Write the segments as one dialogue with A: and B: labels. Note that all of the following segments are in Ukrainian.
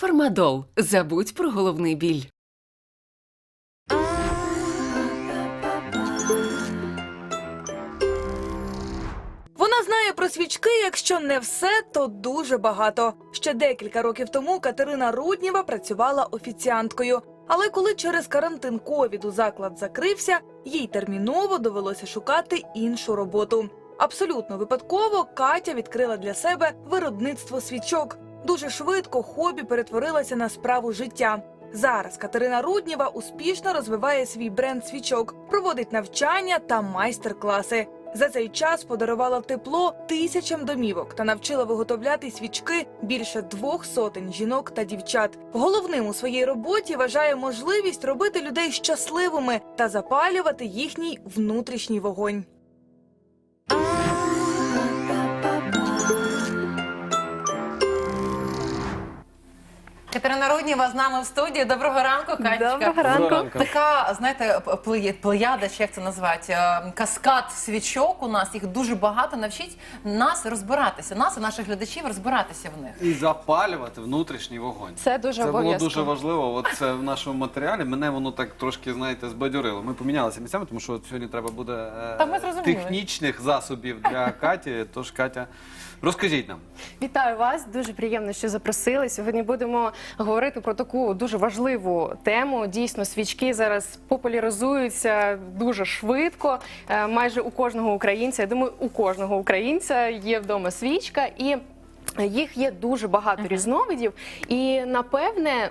A: Фармадол. Забудь про головний біль.
B: Вона знає про свічки, якщо не все, то дуже багато. Ще декілька років тому Катерина Руднєва працювала офіціанткою. Але коли через карантин ковіду заклад закрився, їй терміново довелося шукати іншу роботу. Абсолютно випадково Катя відкрила для себе виробництво свічок. Дуже швидко хобі перетворилося на справу життя. Зараз Катерина Руднєва успішно розвиває свій бренд свічок, проводить навчання та майстер-класи. За цей час подарувала тепло тисячам домівок та навчила виготовляти свічки більше 200 жінок та дівчат. Головним у своїй роботі вважає можливість робити людей щасливими та запалювати їхній внутрішній вогонь.
C: Катерина Руднєва з нами в студії. Доброго ранку, Катечка.
B: Доброго ранку.
C: Така, знаєте, плеяда, чи як це назвати, каскад свічок у нас, їх дуже багато. Навчіть нас розбиратися, нас і наших глядачів розбиратися в них.
D: І запалювати внутрішній вогонь.
E: Це дуже
D: Це було
E: обов'язково.
D: дуже важливо. От це в нашому матеріалі. Мене воно так трошки, знаєте, збадьорило. Ми помінялися місцями, тому що от сьогодні треба буде
C: Та ми зрозуміли.
D: технічних засобів для Каті. Тож, Катя, розкажіть нам.
E: Вітаю вас, дуже приємно, що запросили. Сьогодні будемо говорити про таку дуже важливу тему. Дійсно, свічки зараз популяризуються дуже швидко. Майже у кожного українця, я думаю, у кожного українця є вдома свічка, і їх є дуже багато різновидів, і, напевне,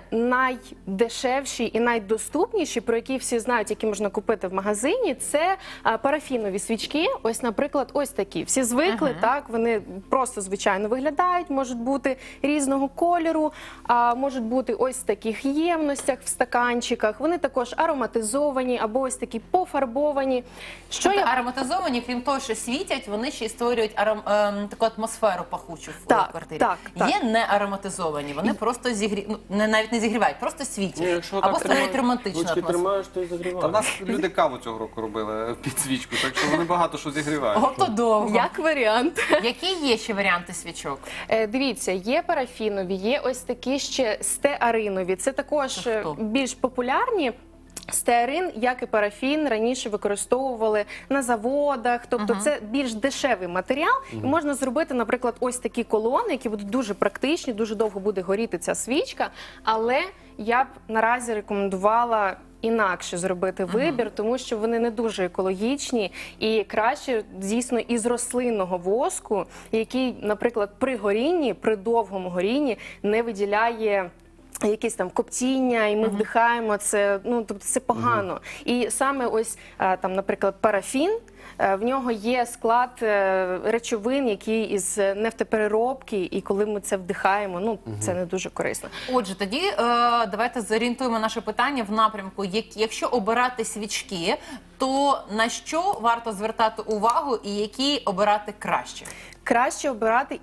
E: найдешевші і найдоступніші, про які всі знають, які можна купити в магазині, це парафінові свічки. Ось, наприклад, ось такі. Всі звикли, так, вони просто звичайно виглядають, можуть бути різного кольору, можуть бути ось в таких ємностях, в стаканчиках. Вони також ароматизовані або ось такі пофарбовані. Що
C: Тобто ароматизовані, крім того, що світять, вони ще й створюють таку атмосферу пахучу в квартирі.
E: так.
C: Є не ароматизовані, вони просто навіть не зігрівають, просто світять. Або створюють романтичну атмосферу.
F: тримаєш, то й загріваєш.
D: Та в нас люди каву цього року робили під свічку, так що вони багато що зігрівають.
C: Ото довго.
E: як варіант.
C: Які є ще варіанти свічок?
E: Дивіться, є парафінові, є ось такі ще стеаринові. Це також
C: Це хто?
E: більш популярні. Стеарин, як і парафін, раніше використовували на заводах, тобто це більш дешевий матеріал. І можна зробити, наприклад, ось такі колони, які будуть дуже практичні, дуже довго буде горіти ця свічка, але я б наразі рекомендувала інакше зробити вибір, тому що вони не дуже екологічні і краще, дійсно, із рослинного воску, який, наприклад, при горінні, при довгому горінні не виділяє якісь там коптіння, і ми вдихаємо це, ну, тобто це погано. І саме ось, там, наприклад, парафін, в нього є склад речовин, які із нефтепереробки, і коли ми це вдихаємо, ну, це не дуже корисно.
C: Отже, тоді давайте зорієнтуємо наше питання в напрямку. Якщо обирати свічки, то на що варто звертати увагу і які обирати краще?
E: Краще обирати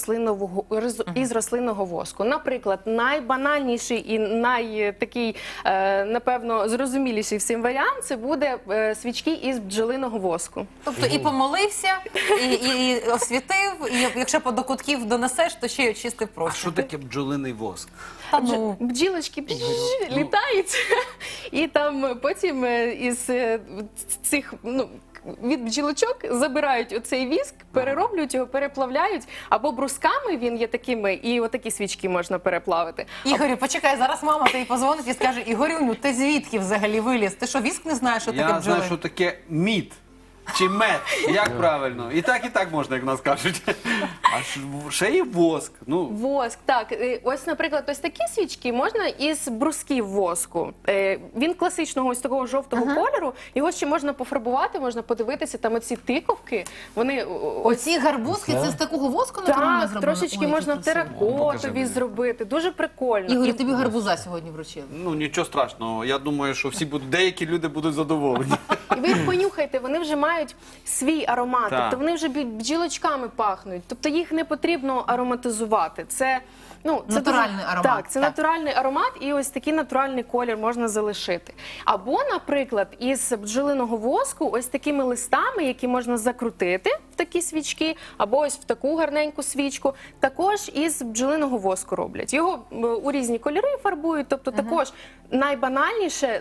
E: із рослинного воску. Наприклад, найбанальніший і найтакий, напевно, зрозуміліший всім варіант – це буде свічки із бджолиного воску.
C: Тобто і помолився, і освітив, і якщо по до кутків донесеш, то ще й очистив
D: А
C: простір.
D: що таке бджолиний воск?
C: Та ну.
E: Бджілочки літають, і там потім із цих, ну, від бджілочок забирають оцей віск, перероблюють його, переплавляють, або брусками, він є такими, і отакі свічки можна переплавити.
C: Ігорю, почекай, зараз мама тобі позвонить і скаже: Ігорюню, ти звідки взагалі виліз? Ти що, віск не знаєш, що таке
D: Я
C: бджоли?
D: знаю, що таке мід. Чи мед, як правильно? І так можна, як в нас кажуть. А ще є воск. Ну,
E: Воск, так. Ось, наприклад, ось такі свічки можна із брусків воску. Він класичного ось такого жовтого кольору, його ще можна пофарбувати, можна подивитися, там оці тиковки, вони...
C: Оці гарбузки, це з такого воску натурально
E: Так,
C: зроблено?
E: трошечки
C: Ой, які
E: можна
C: красиві.
D: Покажи
E: теракотові
D: мені.
E: зробити, дуже прикольно.
C: Ігорю, тобі гарбуза сьогодні вручили.
D: ну нічого страшного. Я думаю, що деякі люди будуть задоволені.
E: І ви їх понюхайте, вони вже мають свій аромат,
D: Так.
E: тобто вони вже бджілочками пахнуть, тобто їх не потрібно ароматизувати. Це Ну, це
C: Натуральний аромат,
E: Так, це
C: так.
E: натуральний аромат, і ось такий натуральний колір можна залишити. Або, наприклад, із бджолиного воску ось такими листами, які можна закрутити в такі свічки, або ось в таку гарненьку свічку, також із бджолиного воску роблять. Його у різні кольори фарбують, тобто також найбанальніше,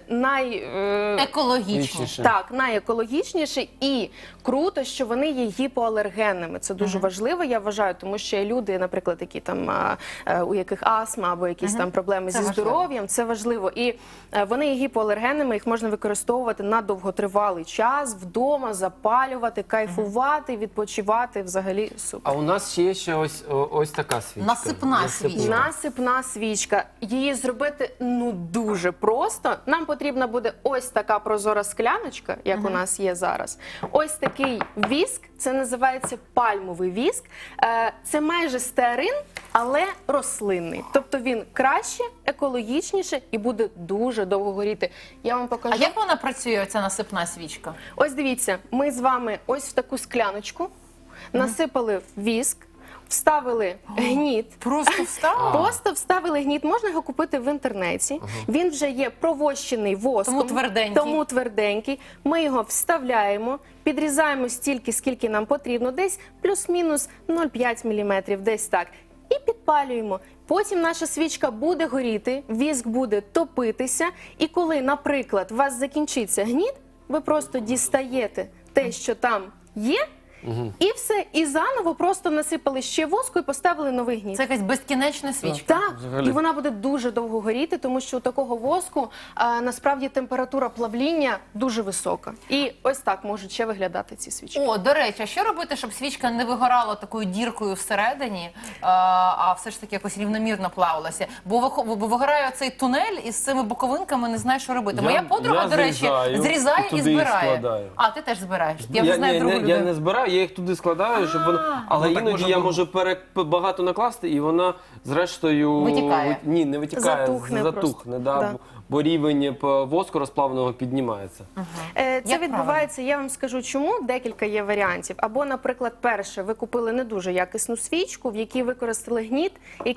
C: Екологічніше.
E: так, найекологічніше і круто, що вони є гіпоалергенними. Це дуже важливо, я вважаю, тому що є люди, наприклад, які там у яких астма або якісь там проблеми
C: Це
E: зі
C: важливо.
E: здоров'ям. Це важливо. І вони є гіпоалергенними, їх можна використовувати на довготривалий час вдома, запалювати, кайфувати, відпочивати. Взагалі супер.
F: А у нас ще є ось така свічка.
C: Насипна свічка.
E: Насипна свічка. Її зробити дуже просто. Нам потрібна буде ось така прозора скляночка, як у нас є зараз. Ось такий віск, це називається пальмовий віск. Це майже стеарин, але рослинний. Тобто він краще, екологічніше і буде дуже довго горіти. Я вам покажу.
C: А як вона працює, ця насипна свічка?
E: Ось дивіться, ми з вами ось в таку скляночку насипали віск, вставили гніт.
C: Просто встала?
E: Просто вставили гніт, можна його купити в інтернеті. Він вже є провощений воском.
C: Тому тверденький.
E: Тому тверденький. Ми його вставляємо, підрізаємо стільки, скільки нам потрібно, десь плюс-мінус 0,5 мм, десь так. І підпалюємо. Потім наша свічка буде горіти, віск буде топитися. І коли, наприклад, у вас закінчиться гніт, ви просто дістаєте те, що там є, і все. І заново просто насипали ще воску і поставили новий гніт.
C: Це якась безкінечна свічка.
E: Так,
F: взагалі.
E: і вона буде дуже довго горіти, тому що у такого воску насправді температура плавління дуже висока. І ось так можуть ще виглядати ці свічки.
C: О, до речі, а що робити, щоб свічка не вигорала такою діркою всередині, а все ж таки якось рівномірно плавилася? Бо вигорає цей тунель і з цими боковинками не знає, що робити. Моя подруга, до речі, зрізає і
F: туди їх
C: збирає.
F: складаю.
C: А, ти теж збираєш. Я вже знаю другу
F: Я
C: людину.
F: не збираю, я їх туди складаю, щоб вона... Але
D: Ну, так
F: іноді
D: можна
F: я
D: було.
F: можу багато накласти, і вона зрештою...
C: Витікає.
F: Ні, не витікає,
E: Затухне
F: затухне,
E: просто.
F: да,
E: Да.
F: бо рівень воску розплавленого піднімається.
E: Це
C: Як
E: відбувається, я вам скажу чому, декілька є варіантів. Або, наприклад, перше, ви купили не дуже якісну свічку, в якій використали гніт,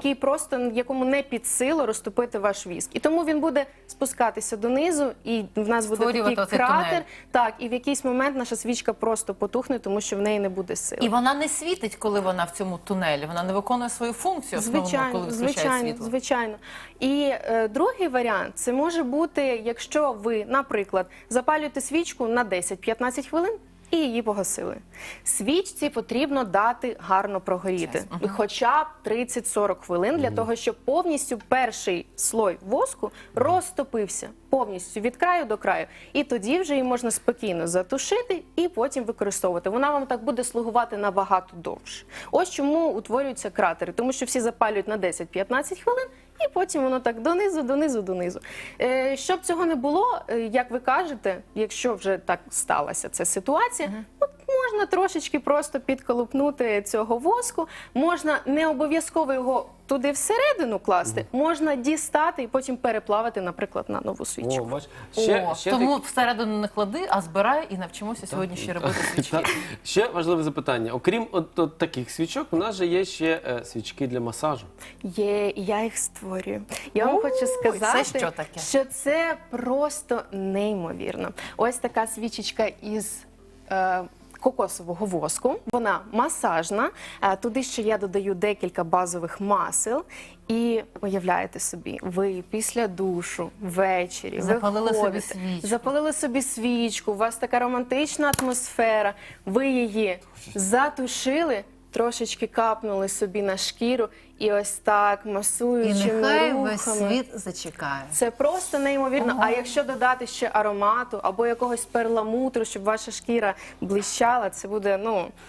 E: якому не під силу розтопити ваш віск. І тому він буде спускатися донизу, і в нас буде
C: Створювати
E: такий
C: оцей
E: кратер.
C: тунель.
E: Так, і в якийсь момент наша свічка просто потухне, тому що в неї не буде сили.
C: І вона не світить, коли вона в цьому тунелі. Вона не виконує свою функцію основну, коли виключає світло.
E: Звичайно. І другий варіант, це може бути, якщо ви, наприклад, запалюєте свічку на 10-15 хвилин і її погасили. Свічці потрібно дати гарно прогоріти, хоча б 30-40 хвилин, для того, щоб повністю перший слой воску розтопився повністю від краю до краю. І тоді вже її можна спокійно затушити і потім використовувати. Вона вам так буде слугувати набагато довше. Ось чому утворюються кратери, тому що всі запалюють на 10-15 хвилин, і потім воно так донизу. Щоб цього не було, як ви кажете, якщо вже так сталася ця ситуація, от можна трошечки просто підколупнути цього воску, можна не обов'язково його туди всередину класти, можна дістати і потім переплавити, наприклад, на нову свічку.
F: О, бач,
C: Тому всередину не клади, а збирай і навчимося сьогодні ще робити свічки.
F: Ще важливе запитання. Окрім от таких свічок, у нас же є ще свічки для масажу.
E: Є, і я їх створюю. Я вам хочу сказати,
C: це що таке?
E: що це просто неймовірно. Ось така свічечка із кокосового воску. Вона масажна. Туди ще я додаю декілька базових масел. І уявляєте собі, ви після душу ввечері
C: Запалили собі
E: виходите,
C: свічку.
E: запалили собі свічку, у вас така романтична атмосфера, ви її затушили, трошечки капнули собі на шкіру і ось так
C: І
E: масуючими
C: нехай
E: рухами.
C: весь світ зачекає.
E: Це просто неймовірно. А якщо додати ще аромату або якогось перламутру, щоб ваша шкіра блищала, це буде,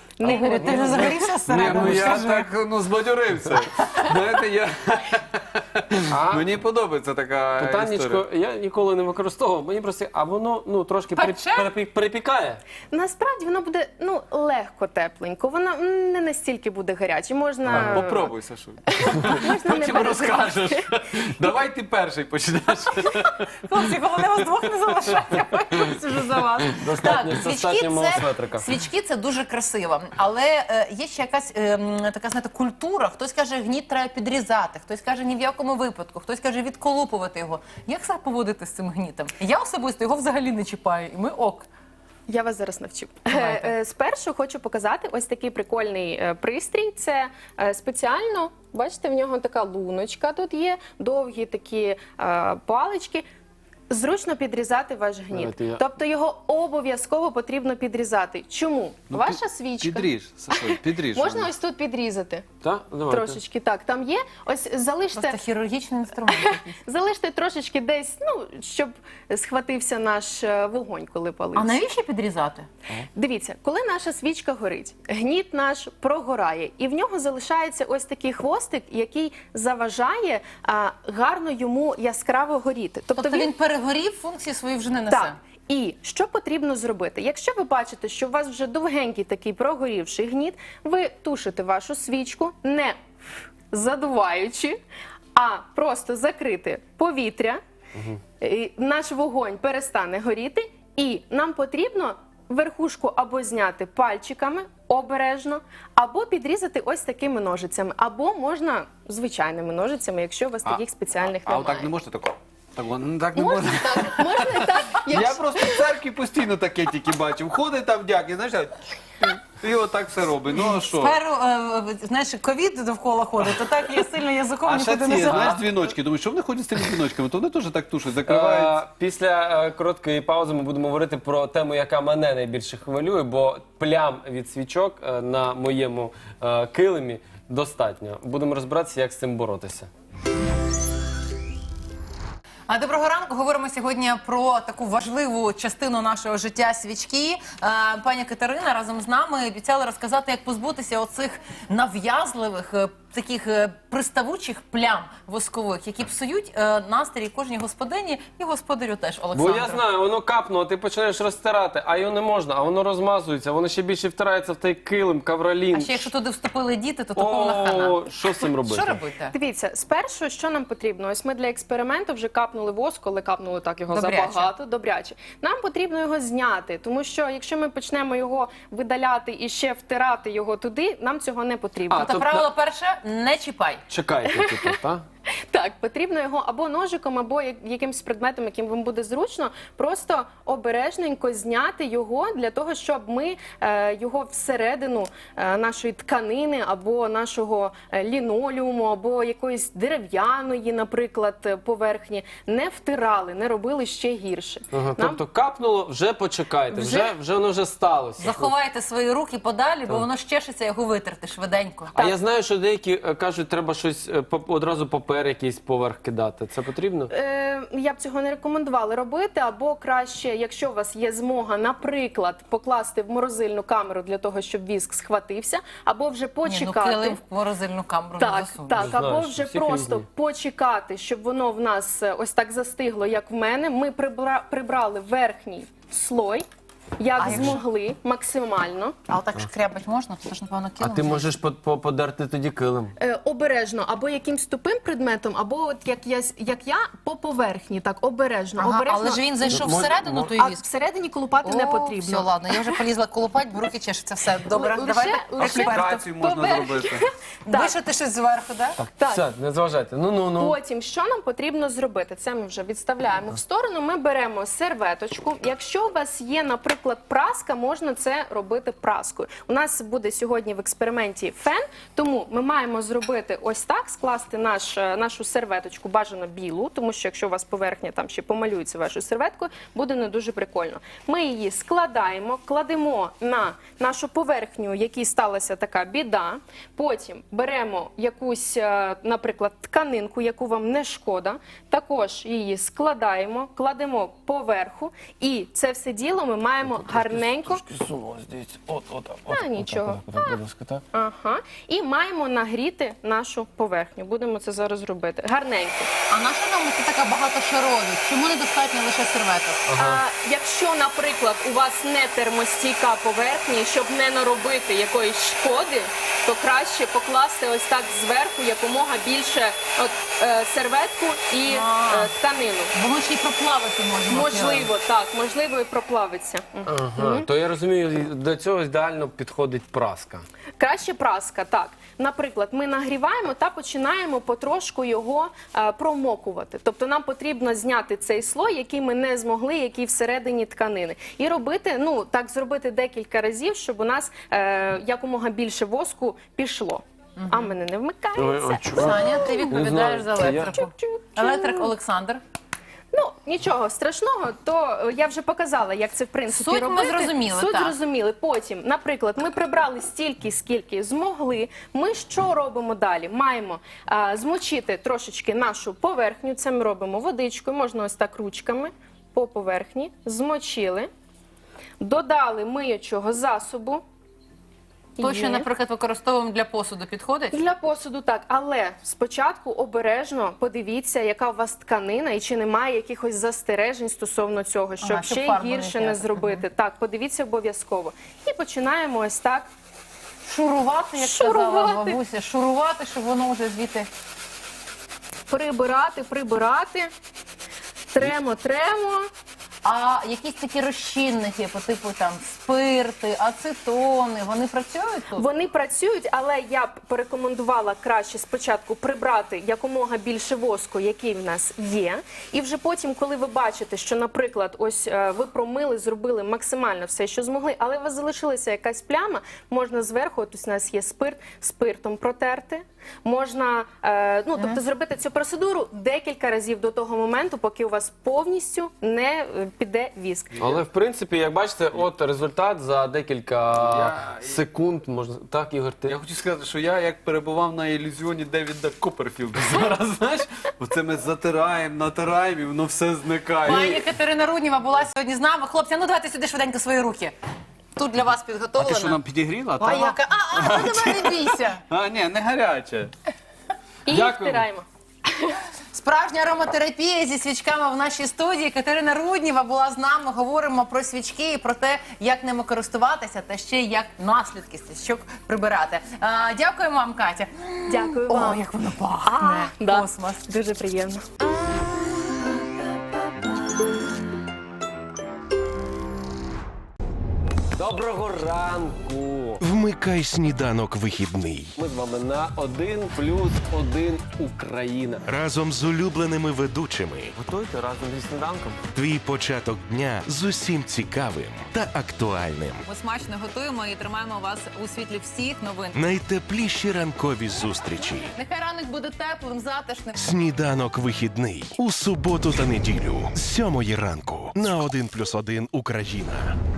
C: Ігорю, ти вже загорівся
D: Ні,
C: всередину?
D: ну я
C: Скажи.
D: так збадьорився. Знаєте, Мені подобається така історія.
F: Питаннячко, я ніколи не використовував, мені просто, а воно трошки
C: Пече?
F: перепікає.
E: Насправді воно буде легко тепленько, воно не настільки буде гаряче. Можна
D: Попробуй, Сашу.
E: можна не
D: Потім розкажеш. Давай ти перший почнеш.
C: Хлопці, головне вас двох не залишати, я вже за вас.
F: Достатньо мого светрика.
C: Свічки це дуже красиво, але є ще якась така, знаєте, культура. Хтось каже, гніт треба підрізати, хтось каже, ні в якому випадку, хтось каже, відколупувати його. Як себе поводити з цим гнітом? Я особисто його взагалі не чіпаю, і ми ок.
E: Я вас зараз навчу.
C: Давайте.
E: Спершу хочу показати ось такий прикольний пристрій. Це спеціально, бачите, в нього така луночка тут є, довгі такі палички. Зручно підрізати ваш гніт.
F: Давайте я-
E: Тобто його обов'язково потрібно підрізати. Чому? Ваша свічка.
D: Підріж, Сашу, підріж.
E: Можна ось тут підрізати.
F: Так? Давайте.
E: Трошечки так. Там є. Ось залиште.
C: Просто хірургічний інструмент якийсь.
E: Залиште трошечки десь, щоб схватився наш вогонь, коли палився.
C: А навіщо підрізати?
E: Дивіться, коли наша свічка горить, гніт наш прогорає, і в нього залишається ось такий хвостик, який заважає гарно йому яскраво горіти.
C: Тобто він перегорів, функції свої вже не несе.
E: Так. І що потрібно зробити? Якщо ви бачите, що у вас вже довгенький такий прогорівший гніт, ви тушите вашу свічку, не задуваючи, а просто закрити повітря, і наш вогонь перестане горіти, і нам потрібно верхушку або зняти пальчиками обережно, або підрізати ось такими ножицями, або можна звичайними ножицями, якщо у вас таких спеціальних
D: А
E: немає.
D: отак не можна такого? Так не
E: Можна
D: можна.
E: так, можна і так.
D: Я просто в церкві постійно таке тільки бачив. Ходить там дяк, і знаєш, і отак все робить. Ну а що?
C: Тепер, знаєш, ковід довкола ходить, то так я сильно язиком
D: А ще
C: нікуди не
D: ці, знаєш,
C: забрала.
D: дзвіночки. Думаю, що вони ходять з тими дзвіночками? То вони теж так тушать, закривають.
F: Після короткої паузи ми будемо говорити про тему, яка мене найбільше хвилює, бо плям від свічок на моєму килимі достатньо. Будемо розбиратися, як з цим боротися.
C: Доброго ранку. Говоримо сьогодні про таку важливу частину нашого життя – свічки. Пані Катерина разом з нами обіцяла розказати, як позбутися оцих нав'язливих, таких приставучих плям воскових, які псують настрій кожній господині і господарю теж,
F: Бо
C: Олександру.
F: я знаю, воно капнуло, ти починаєш розтирати, а його не можна, а воно розмазується, воно ще більше втирається в той килим, ковролін.
C: А ще якщо туди вступили діти, то повна хана.
F: О, що з цим робити?
C: Що робити?
E: Дивіться, спершу, що нам потрібно? Ось ми для експерименту вже капнули воск, але капнули так його
C: Добряче.
E: забагато, добряче. Нам потрібно його зняти, тому що якщо ми почнемо його видаляти і ще втирати його туди, нам цього не потрібно.
C: Тобто
F: тобто-
C: правило перше – не чіпай.
F: Чекайте, типу, так?
E: Так, потрібно його або ножиком, або якимось предметом, яким вам буде зручно, просто обережненько зняти його для того, щоб ми його всередину нашої тканини, або нашого лінолеуму, або якоїсь дерев'яної, наприклад, поверхні, не втирали, не робили ще гірше.
F: Ага,
E: Нам
F: тобто капнуло, вже почекайте, вже воно вже сталося.
C: Заховайте свої руки подалі, бо воно щешиться, його витерти швиденько.
F: А я знаю, що деякі кажуть, треба щось одразу папер якийсь поверх кидати. Це потрібно?
E: Я б цього не рекомендувала робити, або краще, якщо у вас є змога, наприклад, покласти в морозильну камеру для того, щоб віск схватився, або вже почекати.
C: Килим в морозильну камеру не
E: Так,
C: засунеш.
E: так,
F: Знаєш,
E: або
F: що
E: вже
F: всі
E: просто
F: різні.
E: почекати, щоб воно в нас ось так застигло, як в мене. Ми прибрали верхній слой, як
C: А якщо-
E: змогли, максимально.
C: А отак шкрябать можна? Це ж, напевно,
F: А
C: килим.
F: ти можеш подерти тоді килим.
E: Обережно, або якимсь тупим предметом, або от як я по поверхні, так, обережно.
C: Ага,
E: обережно.
C: але ж він зайшов
F: Мо-
C: всередину,
F: мо-
C: той
E: А
C: віск.
E: всередині колупати не потрібно.
C: Все, ладно, я вже полізла колупать, бо руки чешуться. Все, добре,
E: Лише-
C: давайте
E: лише-
D: Аплікацію можна
E: Поверх.
D: зробити.
E: Так.
C: вишити щось зверху, да?
E: Так.
F: Все, не зважайте. Ну.
E: Потім, що нам потрібно зробити? Це ми вже відставляємо в сторону. Ми беремо серветочку. Якщо у вас є, наприклад, праска, можна це робити праскою. У нас буде сьогодні в експерименті фен, тому ми маємо зробити ось так, скласти нашу серветочку, бажано білу, тому що якщо у вас поверхня там ще помалюється вашою серветкою, буде не дуже прикольно. Ми її складаємо, кладемо на нашу поверхню, в якій сталася така біда. Потім беремо якусь, наприклад, тканинку, яку вам не шкода, також її складаємо, кладемо поверху, і це все діло ми маємо маємо гарненько.
F: Дивіться, от.
E: нічого.
F: Будь ласка, так.
E: Ага. І маємо нагріти нашу поверхню. Будемо це зараз робити. Гарненько.
C: А наша нам це така багатошаровість? Чому недостатньо лише серветок?
E: Якщо, наприклад, у вас не термостійка поверхня, і щоб не наробити якоїсь шкоди, то краще покласти ось так зверху якомога більше серветку і тканину.
C: Бо ми ще й проплавити можемо.
E: Можливо, так, можливо, і проплавиться.
F: Ага. То я розумію, до цього ідеально підходить праска.
E: Краще праска, так. Наприклад, ми нагріваємо та починаємо потрошку його промокувати. Тобто нам потрібно зняти цей слой, який ми не змогли, який всередині тканини. І робити, так зробити декілька разів, щоб у нас якомога більше воску пішло. А в мене не вмикається.
C: Саня, ти відповідаєш за
F: Це я.
C: електрику. Електрик Олександр.
E: Нічого страшного, то я вже показала, як це в принципі
C: Суть ми
E: робити.
C: зрозуміли,
E: Суть
C: так.
E: зрозуміли. Потім, наприклад, ми прибрали стільки, скільки змогли. Ми що робимо далі? Маємо змочити трошечки нашу поверхню. Це ми робимо водичкою, можна ось так ручками по поверхні. Змочили, додали миючого засобу.
C: То, що,
E: Є.
C: наприклад, використовуємо для посуду, підходить?
E: Для посуду так, але спочатку обережно подивіться, яка у вас тканина і чи немає якихось застережень стосовно цього, щоб
C: Щоб
E: ще
C: фарбу не
E: гірше не
C: зняти.
E: зробити. Так, подивіться обов'язково. І починаємо ось так.
C: Шурувати, як казала
E: Шурувати.
C: бабуся. Шурувати, щоб воно вже звідти...
E: Прибирати. Тремо.
C: А якісь такі розчинники по типу там спирти, ацетони, вони працюють тут?
E: Вони працюють, але я б порекомендувала краще спочатку прибрати якомога більше воску, який в нас є. І вже потім, коли ви бачите, що, наприклад, ось ви промили, зробили максимально все, що змогли, але у вас залишилася якась пляма, можна зверху, от ось у нас є спирт, спиртом протерти. Можна тобто зробити цю процедуру декілька разів до того моменту, поки у вас повністю не піде віск.
F: Але в принципі, як бачите, от результат за декілька секунд. Можна так, Ігор, ти?
D: Я хочу сказати, що я як перебував на ілюзіоні Девіда Копперфілда зараз, знаєш, оце ми затираємо, натираємо і воно все зникає.
C: Пані Катерина Руднєва була сьогодні з нами. Хлопці, ну давайте сюди швиденько свої руки. Тут для вас
D: А
C: підготовлено.
D: ти що, нам підігріла?
C: А яка? Давай не бійся.
D: Ні, не гаряче.
E: І
D: Дякую.
E: втираємо.
C: Справжня ароматерапія зі свічками в нашій студії. Катерина Руднєва була з нами. Говоримо про свічки і про те, як ними користуватися, та ще й як наслідки свічок прибирати. Дякуємо вам, Катя.
E: Дякую
C: О,
E: вам.
C: як воно пахне.
E: Да.
C: Космос.
E: Дуже приємно.
F: Доброго ранку!
G: Вмикай сніданок вихідний
F: Ми з вами на 1+1 Україна.
G: разом з улюбленими ведучими.
F: Готуйте разом зі сніданком.
G: Твій початок дня з усім цікавим та актуальним.
A: Ми смачно готуємо і тримаємо вас у світлі всіх новин.
G: Найтепліші ранкові зустрічі.
C: Нехай ранок буде теплим, затишним.
G: Сніданок вихідний у суботу та неділю з 7 ранку на 1+1 Україна.